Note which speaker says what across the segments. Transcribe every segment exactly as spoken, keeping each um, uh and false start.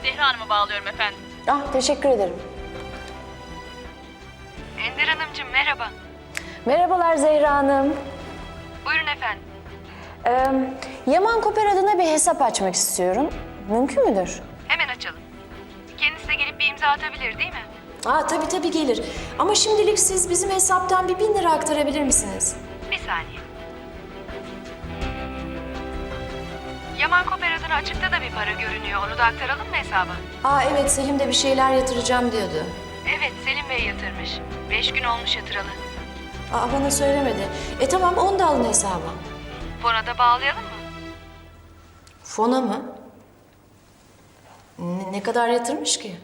Speaker 1: Zehra Hanım'ı bağlıyorum efendim.
Speaker 2: Ah, teşekkür ederim.
Speaker 3: Ender Hanımcığım merhaba.
Speaker 2: Merhabalar Zehra Hanım.
Speaker 3: Buyurun efendim.
Speaker 2: Ee, Yaman Koper adına bir hesap açmak istiyorum. Mümkün müdür?
Speaker 3: Hemen açalım. Kendisi de gelip bir imza atabilir değil mi?
Speaker 2: Aa, tabii tabii gelir. Ama şimdilik siz bizim hesaptan bir bin lira aktarabilir misiniz?
Speaker 3: Bir saniye. Yaman Koper adına açıkta da bir para görünüyor. Onu da aktaralım mı hesaba?
Speaker 2: Aa evet, Selim de bir şeyler yatıracağım diyordu.
Speaker 3: Evet, Selim Bey yatırmış. Beş gün olmuş yatıralı.
Speaker 2: Aa, bana söylemedi. E tamam, onu da alın hesaba.
Speaker 3: Fona da bağlayalım mı?
Speaker 2: Fona mı? Ne, ne kadar yatırmış ki?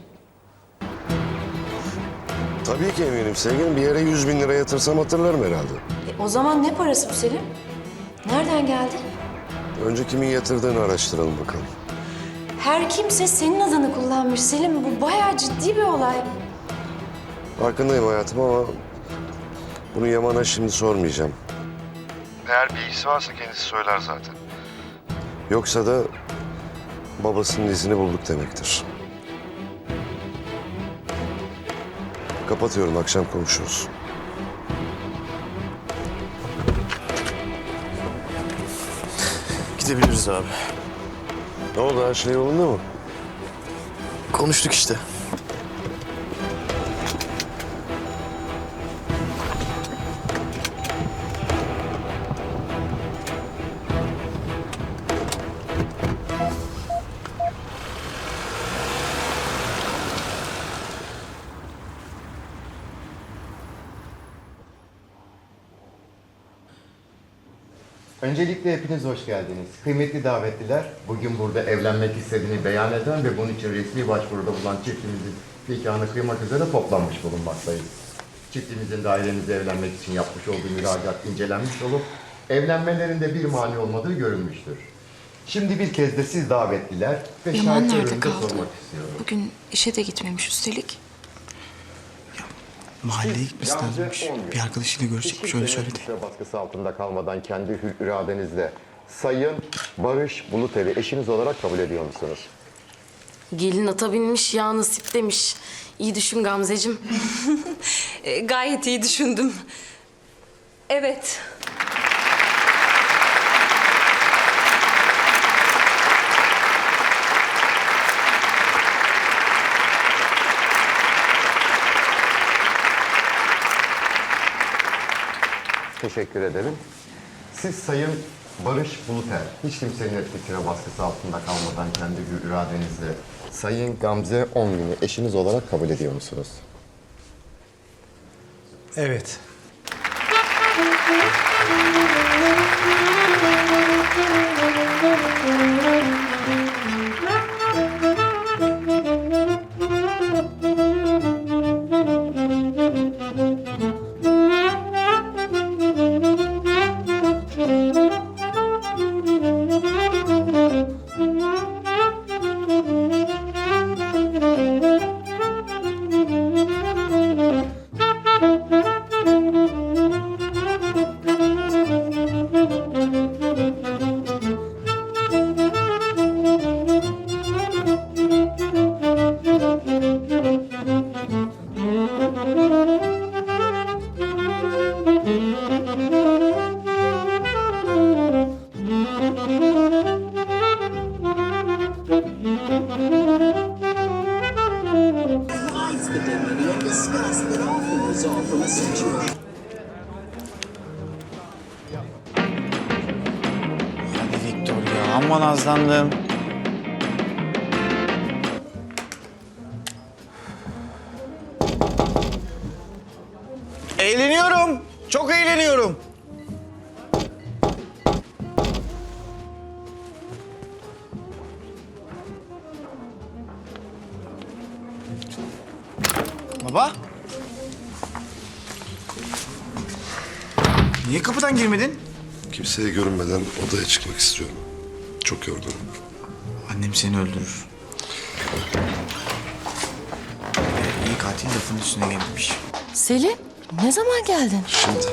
Speaker 4: Tabii ki eminim sevgilim. Bir yere yüz bin lira yatırsam hatırlarım herhalde.
Speaker 2: E, o zaman ne parası bu Selim? Nereden geldi?
Speaker 4: Önce kimin yatırdığını araştıralım bakalım.
Speaker 2: Her kimse senin adını kullanmış Selim. Bu bayağı ciddi bir olay.
Speaker 4: Farkındayım hayatım ama bunu Yaman'a şimdi sormayacağım. Eğer bilgisi varsa kendisi söyler zaten. Yoksa da babasının izini bulduk demektir. Kapatıyorum, akşam konuşuruz.
Speaker 5: Gidebiliriz abi.
Speaker 4: Ne oldu, her şey yolunda mı?
Speaker 5: Konuştuk işte.
Speaker 6: Öncelikle hepiniz hoş geldiniz. Kıymetli davetliler, bugün burada evlenmek istediğini beyan eden ve bunun için resmi başvuruda bulunan çiftimizin nikahını kıymak üzere toplanmış bulunmaktayız. Çiftimizin dairemizde evlenmek için yapmış olduğu müracaat incelenmiş olup evlenmelerinde bir mani olmadığı görülmüştür. Şimdi bir kez de siz davetliler ve
Speaker 7: Yaman
Speaker 6: şahitler
Speaker 7: nerede
Speaker 6: önünde
Speaker 7: kaldı?
Speaker 6: sormak istiyorum.
Speaker 7: Bugün işe de gitmemiş üstelik.
Speaker 5: Mahalleye gitmesi lazımmış. Bir arkadaşıyla görüşecekmiş, öyle söyledi.
Speaker 6: Kimsenin baskısı altında kalmadan kendi hür iradenizle Sayın Barış Bulutel'i eşiniz olarak kabul ediyor musunuz?
Speaker 8: Gelin ata binmiş, ya nasip demiş. İyi düşün Gamzeciğim.
Speaker 7: E, gayet iyi düşündüm. Evet.
Speaker 6: Teşekkür ederim. Siz Sayın Barış Bulutel, hiç kimsenin etkisine baskısı altında kalmadan kendi hür iradenizle Sayın Gamze Ongun'u eşiniz olarak kabul ediyor musunuz?
Speaker 5: Evet. Hadi Victor ya, aman azlandım. Eğleniyorum. Çok eğleniyorum. Baba. Niye kapıdan girmedin?
Speaker 4: Kimseye görünmeden odaya çıkmak istiyorum. Çok yorgunum.
Speaker 5: Annem seni öldürür. Ee, iyi katil lafın üstüne gelmiş.
Speaker 2: Selim, ne zaman geldin?
Speaker 4: Şimdi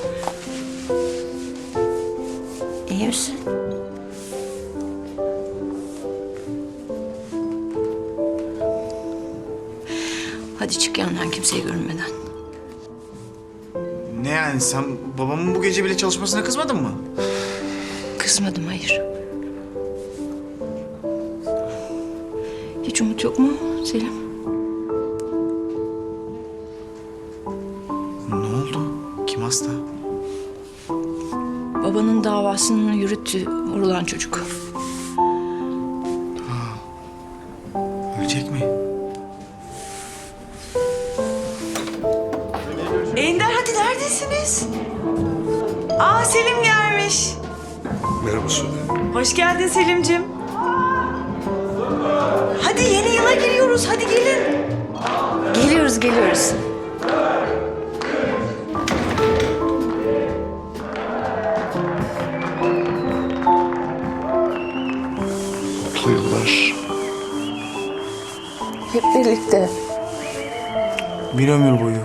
Speaker 2: İyi misin?
Speaker 7: Hadi çık yanından kimseye görünmeden.
Speaker 5: Ne yani sen babamın bu gece bile çalışmasına kızmadın mı?
Speaker 7: Kızmadım, hayır. Hiç umut yok mu Selim?
Speaker 5: Ne oldu? Kim hasta?
Speaker 7: Babanın davasını yürüttü vurulan çocuk.
Speaker 5: Ölecek mi?
Speaker 1: Ender hadi neredesiniz? Aa Selim gelmiş.
Speaker 4: Merhaba Sude.
Speaker 1: Hoş geldin Selim'cim. Hadi yeni yıla giriyoruz hadi gelin.
Speaker 7: Geliyoruz, geliyoruz.
Speaker 4: Mutlu yıllar.
Speaker 7: Hep birlikte.
Speaker 5: Bir ömür boyu.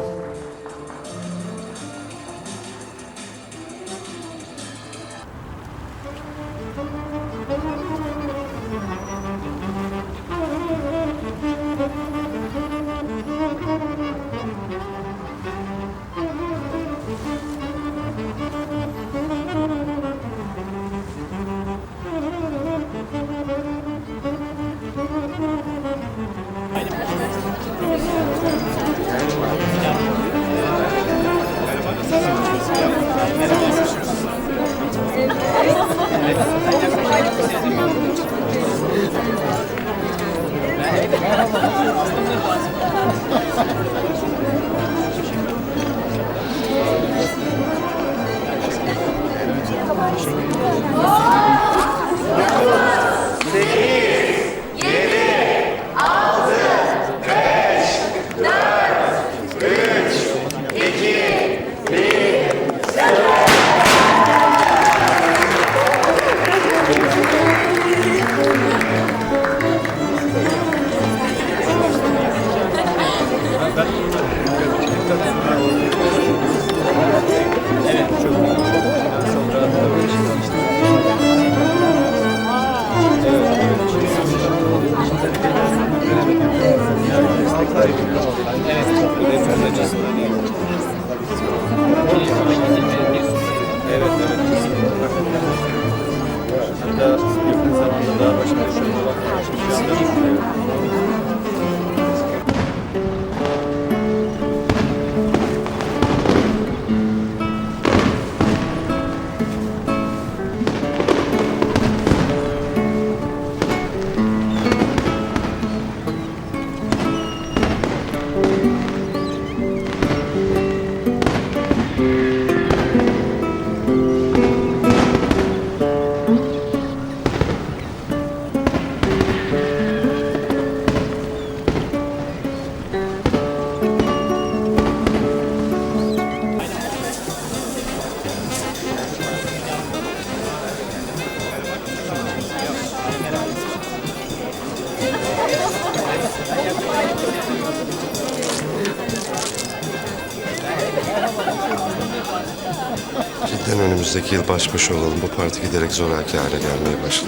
Speaker 4: Cidden önümüzdeki yıl baş başa olalım. Bu parti giderek zoraki hale gelmeye başladı.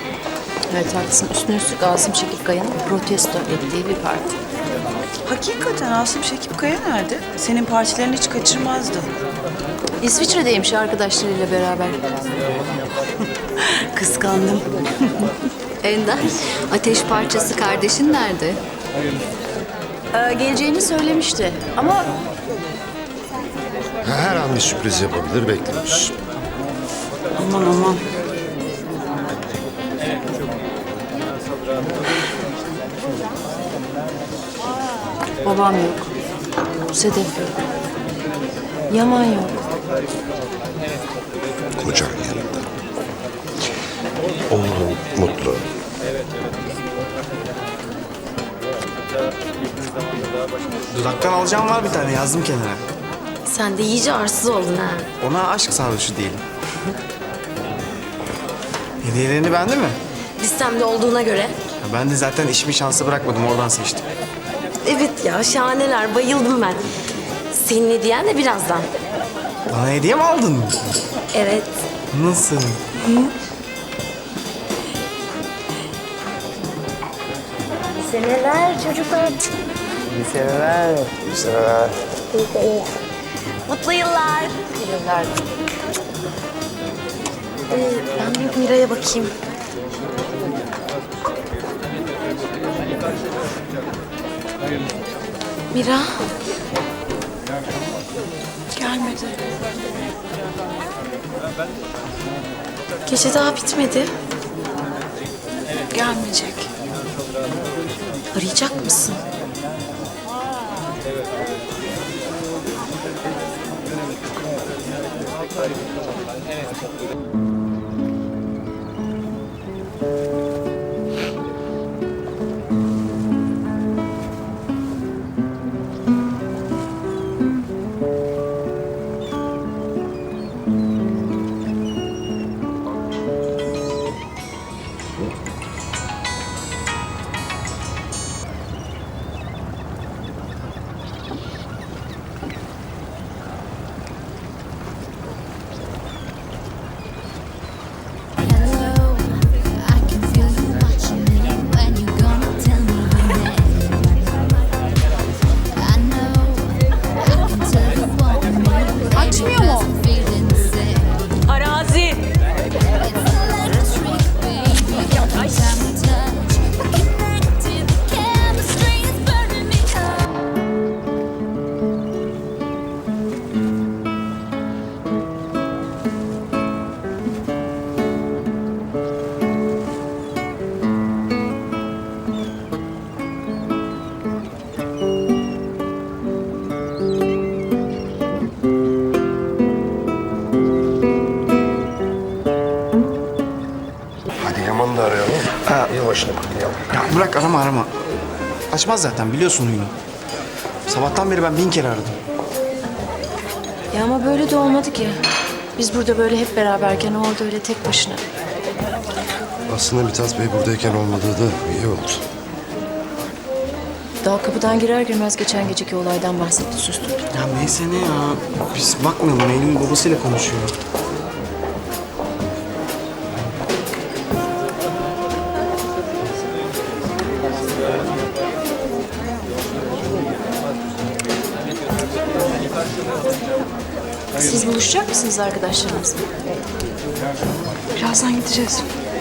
Speaker 7: Evet haklısın. Üstüne üstlük Asım Çekip Kaya'nın protesto ettiği bir parti.
Speaker 1: Hakikaten Asım Şekip Kaya nerede? Senin partilerini hiç kaçırmazdı.
Speaker 7: İsviçre'deymiş arkadaşlarıyla beraber.
Speaker 1: Kıskandım.
Speaker 9: Ender, ateş parçası kardeşin nerede?
Speaker 7: Ee, geleceğini söylemişti ama
Speaker 4: Her an bir sürpriz yapabilir, bekliyoruz.
Speaker 1: Aman aman.
Speaker 2: Babam yok. Sedef yok. Yaman yok.
Speaker 4: Kocan yanında. Oğlum mutlu.
Speaker 5: Dudaktan alacağım var bir tane, yazdım kenara.
Speaker 8: Sen de iyice arsız oldun ha.
Speaker 5: Ona aşk sarhoşu diyelim. Hediyelerini beğendin mi?
Speaker 8: Listemde olduğuna göre.
Speaker 5: Ya ben de zaten işimi şansı bırakmadım, oradan seçtim.
Speaker 8: Evet ya şahaneler, bayıldım ben. Senin hediyen de birazdan.
Speaker 5: Bana hediye mi aldın?
Speaker 8: Evet.
Speaker 5: Nasıl?
Speaker 8: Seneler çocuklar.
Speaker 5: İyi seneler. İyi seneler.
Speaker 8: Mutlu yıllar. Yıllar. Ee, ben bir Mira'ya bakayım. Mira.
Speaker 1: Gelmedi.
Speaker 8: Gece daha bitmedi.
Speaker 1: Gelmeyecek.
Speaker 8: Arayacak mısın?
Speaker 9: Açmıyor mu?
Speaker 8: Arazi.
Speaker 4: Hadi Yaman'ı da arayalım.
Speaker 5: Ha.
Speaker 4: Yavaşla bakayım.
Speaker 5: Ya bırak arama arama. Açmaz zaten biliyorsun huyunu. Sabahtan beri ben bin kere aradım.
Speaker 2: Ya ama böyle de olmadı ki. Biz burada böyle hep beraberken o orada öyle tek başına.
Speaker 4: Aslında Mithat Bey buradayken olmadığı da iyi oldu.
Speaker 2: Daha kapıdan girer girmez geçen geceki olaydan bahsetti, sustum.
Speaker 5: Ya neyse ne ya. Biz bakmayalım. Eylül'ün babasıyla konuşuyor.
Speaker 2: Siz buluşacak mısınız arkadaşlarınızla?
Speaker 1: Birazdan gideceğiz.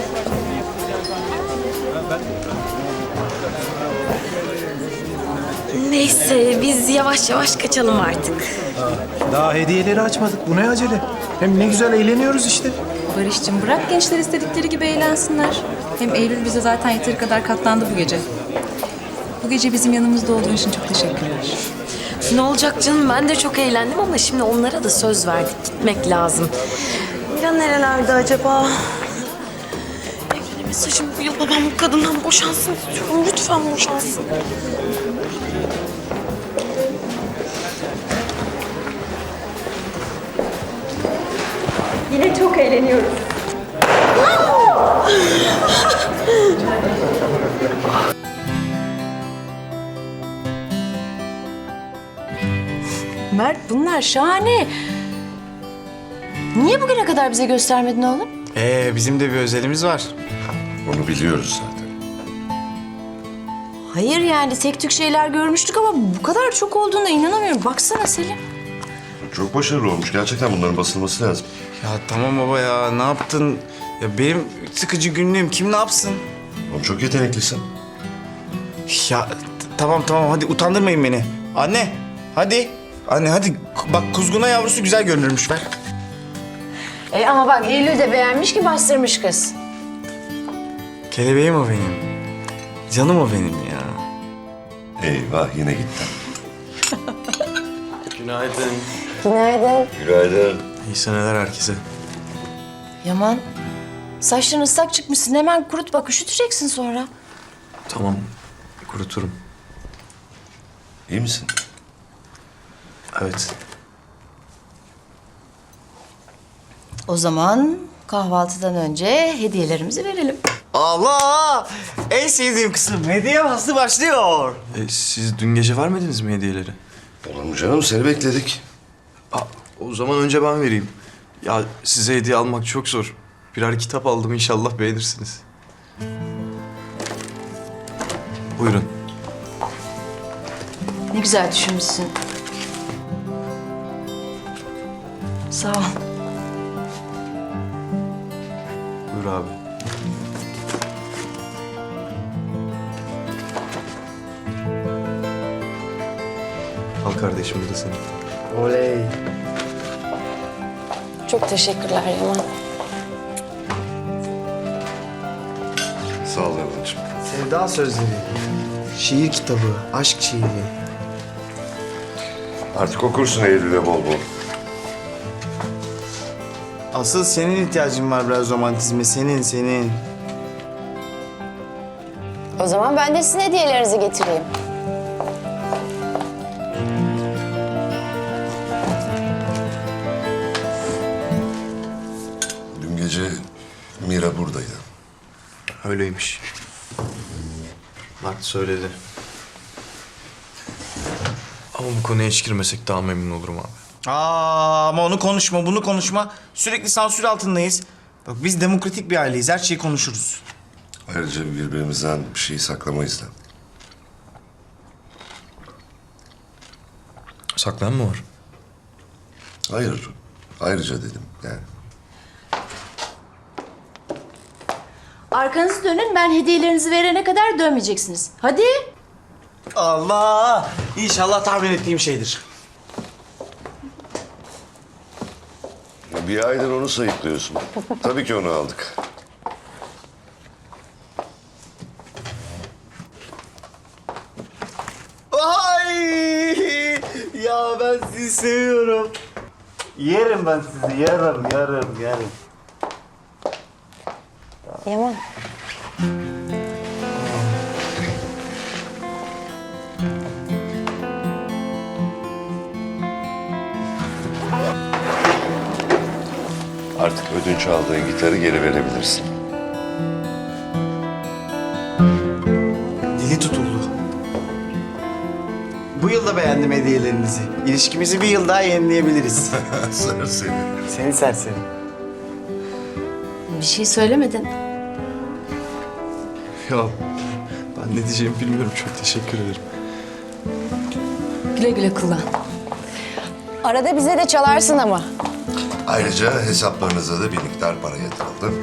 Speaker 8: Neyse biz yavaş yavaş kaçalım artık.
Speaker 10: Daha hediyeleri açmadık. Bu ne acele? Hem ne güzel eğleniyoruz işte.
Speaker 9: Barış'cığım bırak gençler istedikleri gibi eğlensinler. Hem Eylül bize zaten yeteri kadar katlandı bu gece. Bu gece bizim yanımızda olduğun için çok teşekkürler.
Speaker 8: Ne olacak canım, ben de çok eğlendim ama şimdi onlara da söz verdik, gitmek lazım. Mira nerelerde acaba? Evlene mesajım bu yıl babam bu kadından boşansın istiyorum. Lütfen boşansın.
Speaker 2: Yine çok eğleniyoruz. Mert bunlar şahane. Niye bugüne kadar bize göstermedin oğlum?
Speaker 5: Ee bizim de bir özelimiz var.
Speaker 4: Onu biliyoruz zaten.
Speaker 2: Hayır yani tek tük şeyler görmüştük ama bu kadar çok olduğuna inanamıyorum. Baksana Selim.
Speaker 4: Çok başarılı olmuş. Gerçekten bunların basılması lazım.
Speaker 5: Ya tamam baba ya ne yaptın? Ya benim sıkıcı günlüğüm kim ne yapsın?
Speaker 4: Oğlum çok yeteneklisin.
Speaker 5: Ya t- tamam tamam hadi utandırmayın beni. Anne hadi. Anne hadi bak kuzguna yavrusu güzel görünürmüş ver.
Speaker 2: E ama bak Eylül de beğenmiş ki bastırmış kız.
Speaker 5: Kelebeğim o benim. Canım o benim ya.
Speaker 4: Eyvah yine gitti.
Speaker 5: Günaydın.
Speaker 2: Günaydın.
Speaker 4: Günaydın.
Speaker 5: İyi seneler herkese.
Speaker 2: Yaman, saçların ıslak çıkmışsın. Hemen kurut bak, üşüteceksin sonra.
Speaker 5: Tamam kuruturum.
Speaker 4: İyi misin?
Speaker 5: Evet.
Speaker 2: O zaman kahvaltıdan önce hediyelerimizi verelim.
Speaker 5: Allah! En sevdiğim kısım hediye faslı başlıyor.
Speaker 11: E, siz dün gece vermediniz mi hediyeleri?
Speaker 4: Olur mu canım? Seni bekledik.
Speaker 11: Aa, o zaman önce ben vereyim. Ya size hediye almak çok zor. Birer kitap aldım, inşallah beğenirsiniz. Buyurun.
Speaker 2: Ne güzel düşünmüşsün. Sağ ol.
Speaker 11: Buyur abi. Al kardeşim, bu da senin.
Speaker 5: Oley.
Speaker 8: Çok teşekkürler Yaman.
Speaker 4: Sağ ol Yaman'cığım.
Speaker 5: Sevda sözleri. Şiir kitabı, aşk şiiri.
Speaker 4: Artık okursun Eylül'e bol bol.
Speaker 5: Asıl senin ihtiyacın var biraz romantizme. Senin, senin.
Speaker 7: O zaman ben de sizin hediyelerinizi getireyim.
Speaker 4: Dün gece Mira buradaydı.
Speaker 11: Öyleymiş. Mert söyledi. Ama bu konuya hiç girmesek daha memnun olurum abi.
Speaker 5: Aa, ama onu konuşma, bunu konuşma. Sürekli sansür altındayız. Bak biz demokratik bir aileyiz. Her şeyi konuşuruz.
Speaker 4: Ayrıca birbirimizden bir şey saklamayız da.
Speaker 11: Saklayan mı var?
Speaker 4: Hayır. Ayrıca dedim yani.
Speaker 2: Arkanızı dönün, ben hediyelerinizi verene kadar dönmeyeceksiniz. Hadi.
Speaker 5: Allah! İnşallah tahmin ettiğim şeydir.
Speaker 4: Bir aydır onu sayıklıyorsun. Tabii ki onu aldık.
Speaker 5: Ay! Ya ben sizi seviyorum. Yerim ben sizi, yarım, yarım, yarım.
Speaker 7: Yaman.
Speaker 4: Artık ödünç aldığın gitarı geri verebilirsin.
Speaker 5: Dili tutuldu. Bu yıl da beğendim hediyelerinizi. İlişkimizi bir yıl daha yenileyebiliriz.
Speaker 4: Sır seni.
Speaker 5: Seni serseri.
Speaker 2: Bir şey söylemedin.
Speaker 11: Ya ben ne diyeceğimi bilmiyorum. Çok teşekkür ederim.
Speaker 2: Güle güle kullan.
Speaker 7: Arada bize de çalarsın ama.
Speaker 4: Ayrıca hesaplarınıza da bir miktar para yatırıldı.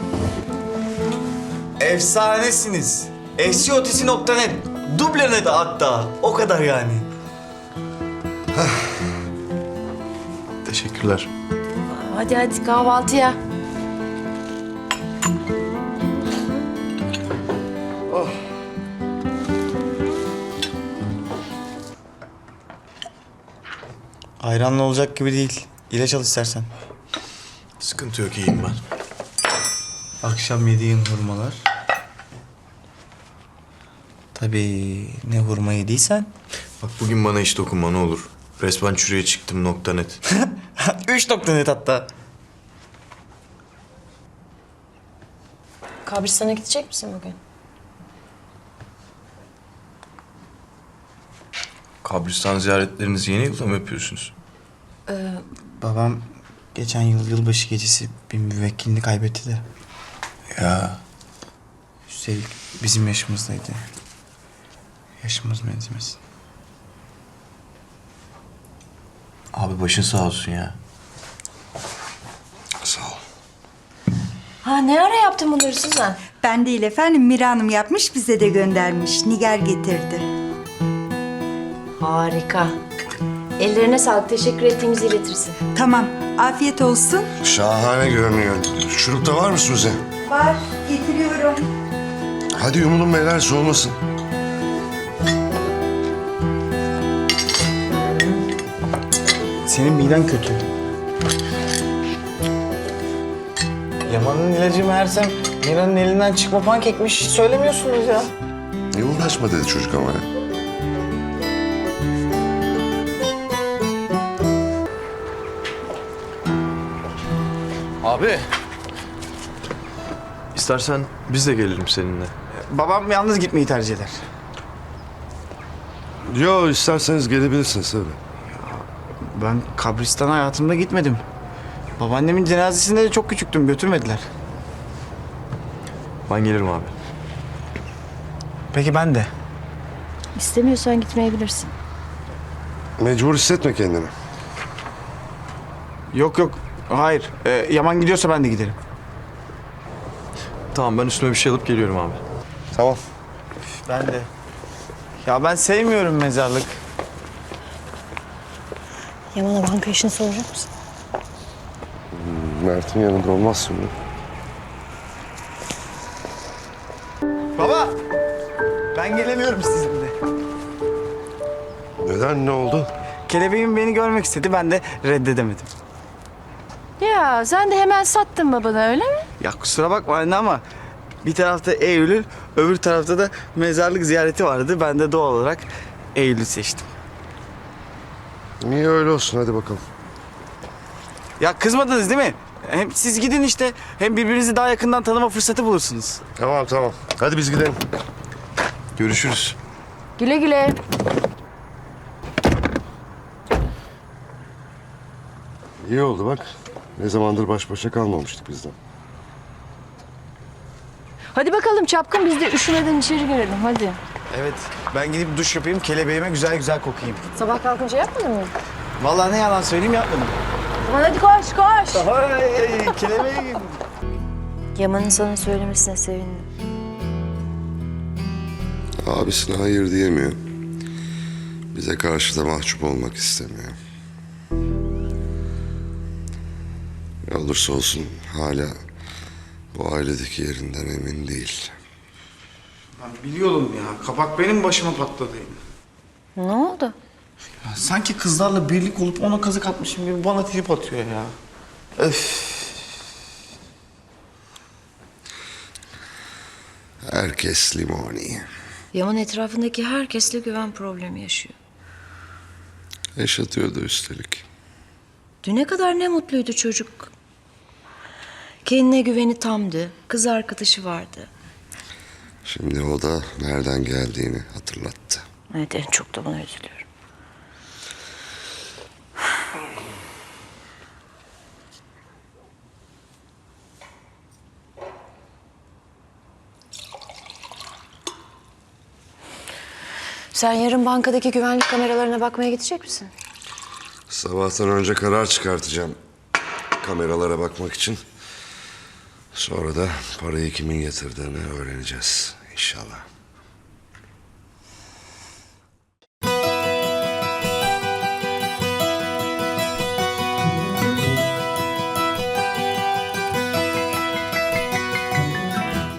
Speaker 5: Efsanesiniz. Efsiotisi nokta net. Dublene de hatta. O kadar yani.
Speaker 11: Teşekkürler.
Speaker 2: Hadi hadi kahvaltıya.
Speaker 5: Ayranla olacak gibi değil. İlaç al istersen.
Speaker 11: Sıkıntı yok, iyiyim ben.
Speaker 5: Akşam yediğin hurmalar. Tabii ne hurma yediysen.
Speaker 11: Bak bugün bana hiç dokunma ne olur. Resmen çürüye çıktım nokta net.
Speaker 5: Üç nokta net hatta.
Speaker 8: Kabristan'a gidecek misin bugün?
Speaker 11: Kabristan ziyaretlerinizi yeni yılda mı yapıyorsunuz?
Speaker 5: Babam geçen yıl yılbaşı gecesi bir müvekkilini kaybetti de.
Speaker 11: Ya
Speaker 5: Üstelik bizim yaşımızdaydı. Yaşımız benzemesin.
Speaker 11: abi başın sağ olsun ya.
Speaker 4: Sağ ol.
Speaker 2: Ha ne ara yaptın bunları Suzan?
Speaker 12: Ben değil efendim. Mira Hanım yapmış, bize de göndermiş. Nigar getirdi.
Speaker 2: Harika. Ellerine sağlık. Teşekkür ettiğimizi iletirsin.
Speaker 12: Tamam. Afiyet olsun.
Speaker 4: Şahane görünüyor. Şurup da var mı Suzi?
Speaker 12: Var. Getiriyorum.
Speaker 4: Hadi yumulun beyler, soğumasın.
Speaker 5: Senin miden kötü. Yaman'ın ilacı meğersem Mira'nın elinden çıkma pankekmiş. Hiç söylemiyorsunuz ya.
Speaker 4: Ne uğraşma dedi çocuk ama ya.
Speaker 11: Abi. İstersen biz de gelelim seninle.
Speaker 5: Babam yalnız gitmeyi tercih eder.
Speaker 4: Yo, isterseniz gelebilirsiniz tabii.
Speaker 5: Ben kabristana hayatımda gitmedim. Babaannemin cenazesinde de çok küçüktüm. Götürmediler.
Speaker 11: Ben gelirim abi.
Speaker 5: Peki ben de.
Speaker 2: İstemiyorsan gitmeyebilirsin.
Speaker 4: Mecbur hissetme kendini.
Speaker 5: Yok yok. Hayır. Ee, Yaman gidiyorsa ben de giderim.
Speaker 11: Tamam ben üstüme bir şey alıp geliyorum abi.
Speaker 4: Tamam.
Speaker 5: Ben de. Ya ben sevmiyorum mezarlık.
Speaker 2: Yaman'a banka işini soracak mısın?
Speaker 4: Mert'in yanında olmaz şimdi.
Speaker 5: Baba! Ben gelemiyorum sizinle.
Speaker 4: Neden, ne oldu?
Speaker 5: Kelebeğim beni görmek istedi, ben de reddedemedim.
Speaker 2: Ya sen de hemen sattın babana öyle mi?
Speaker 5: Ya kusura bakma anne ama bir tarafta Eylül, öbür tarafta da mezarlık ziyareti vardı. Ben de doğal olarak Eylül'ü seçtim.
Speaker 4: Niye öyle olsun, hadi bakalım.
Speaker 5: Ya kızmadınız değil mi? Hem siz gidin işte, hem birbirinizi daha yakından tanıma fırsatı bulursunuz.
Speaker 4: Tamam tamam. Hadi biz gidelim.
Speaker 11: Görüşürüz.
Speaker 2: Güle güle.
Speaker 4: İyi oldu bak. Ne zamandır baş başa kalmamıştık bizden.
Speaker 2: Hadi bakalım çapkın, biz de üşümeden içeri girelim hadi.
Speaker 5: Evet, ben gidip duş yapayım, kelebeğime güzel güzel kokayım.
Speaker 2: Sabah kalkınca yapmadın mı?
Speaker 5: Vallahi ne yalan söyleyeyim yapmadım.
Speaker 2: Hadi koş koş.
Speaker 5: Ay, kelebeğim.
Speaker 2: Yaman'ın sana söylemesine sevindim.
Speaker 4: Abisine hayır diyemiyor. Bize karşı da mahcup olmak istemiyor. Ne olursa olsun hala bu ailedeki yerinden emin değil.
Speaker 5: Ben biliyorum ya, kabak benim başıma patladı.
Speaker 2: Ne oldu?
Speaker 5: Ya, sanki kızlarla birlik olup ona kazık atmışım gibi bana trip atıyor ya. Öf.
Speaker 4: Herkes limoni.
Speaker 2: Yaman etrafındaki herkesle güven problemi yaşıyor.
Speaker 4: Yaşatıyordu üstelik.
Speaker 2: Düne kadar ne mutluydu çocuk. Kendine güveni tamdı. Kız arkadaşı vardı.
Speaker 4: Şimdi o da nereden geldiğini hatırlattı.
Speaker 2: Evet, en çok da buna üzülüyorum. Sen yarın bankadaki güvenlik kameralarına bakmaya gidecek misin?
Speaker 4: Sabahtan önce karar çıkartacağım kameralara bakmak için. Sonra da parayı kimin yatırdığını öğreneceğiz inşallah.